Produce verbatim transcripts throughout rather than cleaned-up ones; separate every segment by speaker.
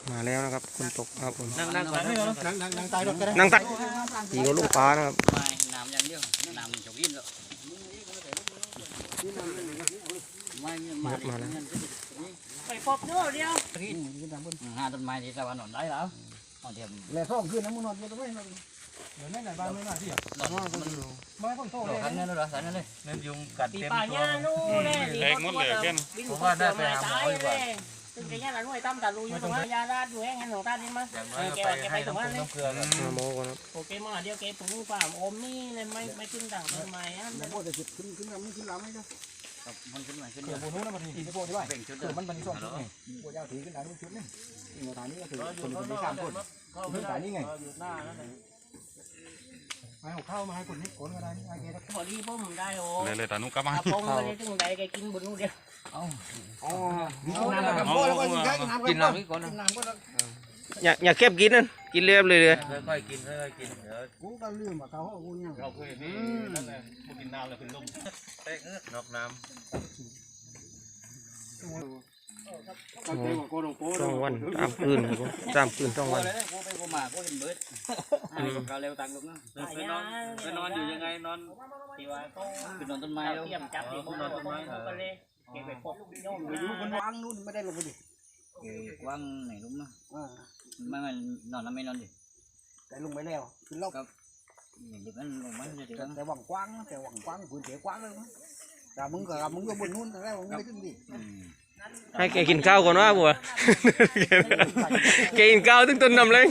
Speaker 1: มาแล้วนะครับคนตกครับผม
Speaker 2: นั่งนั่งนั่งนั่งนั่งนั่งตายรถก็ได้
Speaker 1: นั่งตักตีกับลูกปลานะครับ
Speaker 3: ไม่น้ำอย่างเดียวน้ำจกยินแล้วไม่มา
Speaker 1: มาแล้ว
Speaker 4: ไปพบเนื้อเดียว
Speaker 3: หาต้นไม้ที่ตะวันหนอนได้แล้วเอาเทียม
Speaker 2: แหล่ท้องขึ้นนะมึงนอนเยอะตรงนี้เดี๋ยวนั่นไหนบ้านไม่น่าที่อ่ะ
Speaker 3: หนอนมัน
Speaker 2: ไม่ต้องโต
Speaker 3: หล
Speaker 2: เล
Speaker 3: อก
Speaker 2: ย
Speaker 3: กันเนี่ยเหรอสายนั่นเลย
Speaker 5: นั่นยุงกัด
Speaker 4: ตี
Speaker 5: เต็ม
Speaker 4: ป่า
Speaker 5: ตั
Speaker 4: หญ้าว นู่นเลยดีหมดเลยผมว่าได้ไปหาหมอดีกว่าซึ่งแกย่าละนุ่ยตั้มกับลุยอยู่ตรงนั้นยาลาดอยู่แห้งงั้นหลวงตาดิ้นมั้ยแกแกไปตรงนั้นเลย
Speaker 1: มาโมกันครับ
Speaker 4: โอเคมาเดียวแกปลูกป่าอมนี่เลยไม่ไม่ขึ้นต่างต้นไม้ฮะ
Speaker 2: แต่พวกจะขึ้นขึ้นลำไม่ขึ้นลำไม่ได้
Speaker 3: มันขึ้นมาขึ้น
Speaker 2: เกิดโบนู้นนะมันทีพวกที่ว่า
Speaker 3: เบ่งชุด
Speaker 2: เกิดมันมันสองชุดไงพวกเจ้าถือขึ้นได้ทุกชุดนี่อีกฐานนี้ก็ถือคนคนนี้สามคนขึ้นฐานนี้ไงมาเอาข้าวมาให้คนนี้คนก็ได้ไอ้แก
Speaker 4: พอดีผมได้โอ้
Speaker 5: เลยเลยตานุกลับมา
Speaker 4: พงไปเลยถึงใดแกกินบุญลูกเดียว
Speaker 2: อ๋อกินน้ำแล้วก็แล้วก็กินน้ำกินน้ำก่อนกินน้ำก็
Speaker 1: อย่าอย่าเก็บกินนั่นกินเรียบเลยเลย
Speaker 5: ค่อยๆกินค่อยๆกินเดี๋ยว
Speaker 2: กูก็ลืมว่าเขาเอากูเนี่ย
Speaker 5: เราเคยนี่นั่นแหละพวกกินน้ำแล้วเป็นลมเตะนอกน้ำ
Speaker 1: ต้องวันตามคืนครับผมตามคืนต้องวัน
Speaker 3: กูไปกูมากูเห็นเบิร์ดเราเร็วตังลูกนะ
Speaker 5: ไปนอนไปนอนอยู่ยังไงนอน
Speaker 4: ที่ว่าเขา
Speaker 3: คือนอนต้นไม้แล้ว
Speaker 4: เตรียมจับที่เขานอนต้นไม้ก็เลยแกไปพบโยม
Speaker 2: ไปดูมันวางนู่นไม่ได้ลงไปดิ
Speaker 3: กว้างไหนลุงนะไม่มันนอนแล้วไม่นอนดิ
Speaker 2: แต่ลงไปแล้วขึ้นรอบ
Speaker 3: อย่างนี้มันลงมาจะเดี๋ยว
Speaker 2: แต่หวังกว้างแต่หวังกว้างพื้นที่กว้างเลยแต่มึงกับมึงอยู่บนนู่นแต่มึงไม่ขึ้นดิ
Speaker 1: ให้แกกินข้าวก่อนว่าบัวแกกินข้าวถึงต้นนำเลย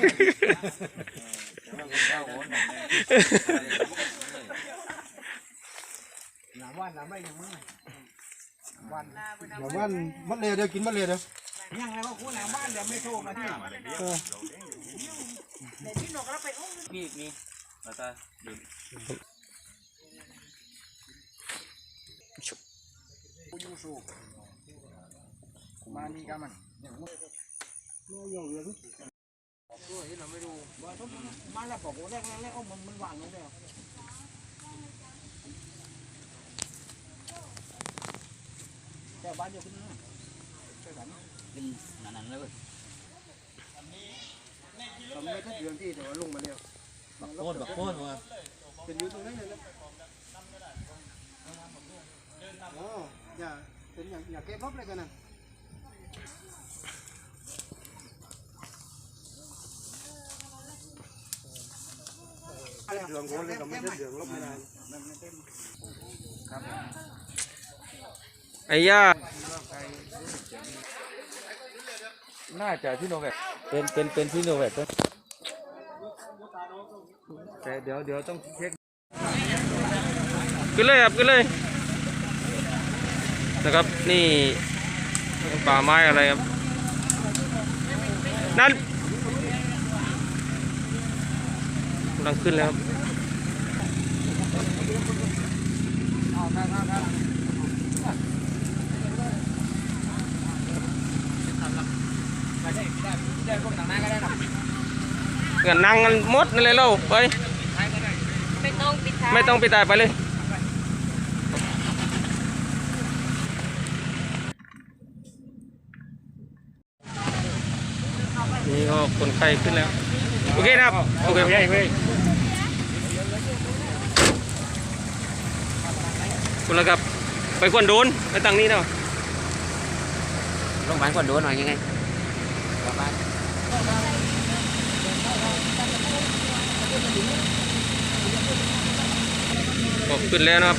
Speaker 2: หนาวันหนาไม่ยังไม่วันหนาวันมัดเลยเดี๋ยวกินมัดเลยเดี๋ยวยังไงว่าคุณหนาบ้านเดี๋ยวไม่โทรมาที่
Speaker 5: มีมีแล้วก็ดื่ม
Speaker 2: ยูสูมานี่กันมันเนี่ยยังเหลือด้วยเราไม่ดูว่าต้องมาแล้วบอกว่าแรกแรกมันมันวางลงแล้วแต่บ้านเดียวกันนะใช่กัน
Speaker 3: กินนานๆเลย
Speaker 2: ทำไม่ทัดเดือนที่แต่ว่าลงมาเร็ว
Speaker 5: บักโคตรบักโคตรว่า
Speaker 2: เป็นอยู่ตรงนั้นเลยนะอ๋ออย่าเป็นอย่างอย่าเก็บลบเลยกันนะเดืองคนเลยก็ไม่ได้เดืองลบไม่ได้ครับ
Speaker 1: ไอ้ย่า
Speaker 5: น่าจะที่โนแวค
Speaker 1: เป็นเป็นเป็นที่โนแวค
Speaker 5: แต่เดี๋ยวเดี๋ยวต้องเช็ค
Speaker 1: ขึ้นเลยครับขึ้นเลยนะครับนี่ป่าไม้อะไรครับนั่นกำลังขึ้นแล้วครับเงินนั่งกันหมดนั่นเลยเราไป
Speaker 4: ไม่ต้องปิดท้าย
Speaker 1: ไม่ต้องไปตายไปเลยนี่ก็คนไข้ขึ้นแล้วโอเคนะครับโอเคคุณละครับไปควนโดนไปตังนี้เนาะ
Speaker 3: โรงพยาบาลก่อนโดนหน่อยยังไง
Speaker 1: ก็ขึ้นแล้วนะครับ